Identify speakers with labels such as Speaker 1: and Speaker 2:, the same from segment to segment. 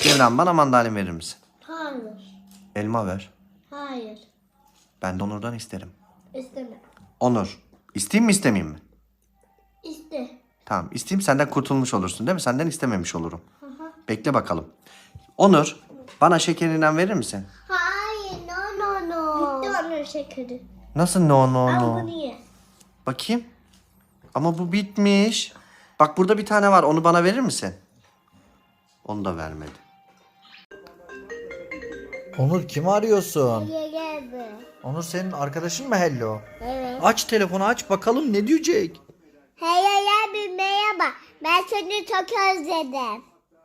Speaker 1: Devran bana mandalina verir misin?
Speaker 2: Hayır.
Speaker 1: Elma ver.
Speaker 2: Hayır.
Speaker 1: Ben de Onur'dan isterim.
Speaker 2: İsteme.
Speaker 1: Onur, isteyeyim mi istemeyeyim mi?
Speaker 2: İste.
Speaker 1: Tamam, isteyeyim, senden kurtulmuş olursun değil mi? Senden istememiş olurum.
Speaker 2: Hı.
Speaker 1: Bekle bakalım. Onur, bana şekerinden verir misin?
Speaker 2: Hayır. No. Bitti onun şekeri.
Speaker 1: Nasıl no no
Speaker 2: Al
Speaker 1: no?
Speaker 2: bunu ye.
Speaker 1: Bakayım. Ama bu bitmiş. Bak burada bir tane var. Onu bana verir misin? Onu da vermedi.
Speaker 3: Onur kimi arıyorsun?
Speaker 2: Ye geldi.
Speaker 3: Onur senin arkadaşın mı Hello?
Speaker 2: Evet.
Speaker 3: Aç telefonu aç bakalım ne diyecek?
Speaker 2: Hey abi merhaba. Ben seni çok özledim.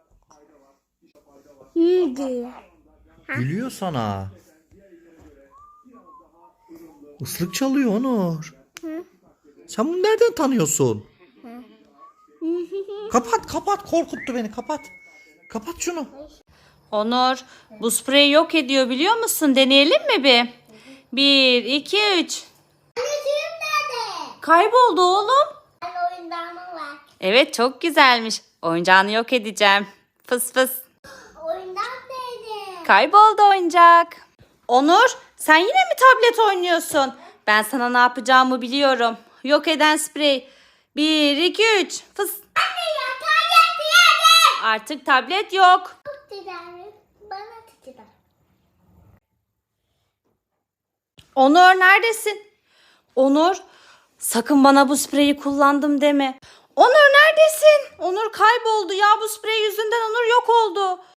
Speaker 2: Diyor.
Speaker 3: Gülüyor sana. Islık çalıyor Onur. Sen bunu nereden tanıyorsun? Kapat korkuttu beni kapat. Kapat şunu.
Speaker 4: Onur, bu spreyi yok ediyor biliyor musun? Deneyelim mi bir? 1, 2, 3.
Speaker 2: Anneciğim nerede?
Speaker 4: Kayboldu oğlum.
Speaker 2: Ben oyuncağımı var.
Speaker 4: Evet, çok güzelmiş. Oyuncağını yok edeceğim. Fıs fıs.
Speaker 2: Oyuncak nerede?
Speaker 4: Kayboldu oyuncak. Onur, sen yine mi tablet oynuyorsun? Ben sana ne yapacağımı biliyorum. Yok eden sprey. 1, 2, 3. Fıs.
Speaker 2: Anne ya tablet nerede?
Speaker 4: Artık tablet yok.
Speaker 2: Ticaret. Bana ticaret.
Speaker 4: Onur neredesin? Onur, sakın bana bu spreyi kullandım deme. Onur neredesin? Onur kayboldu ya, bu sprey yüzünden Onur yok oldu.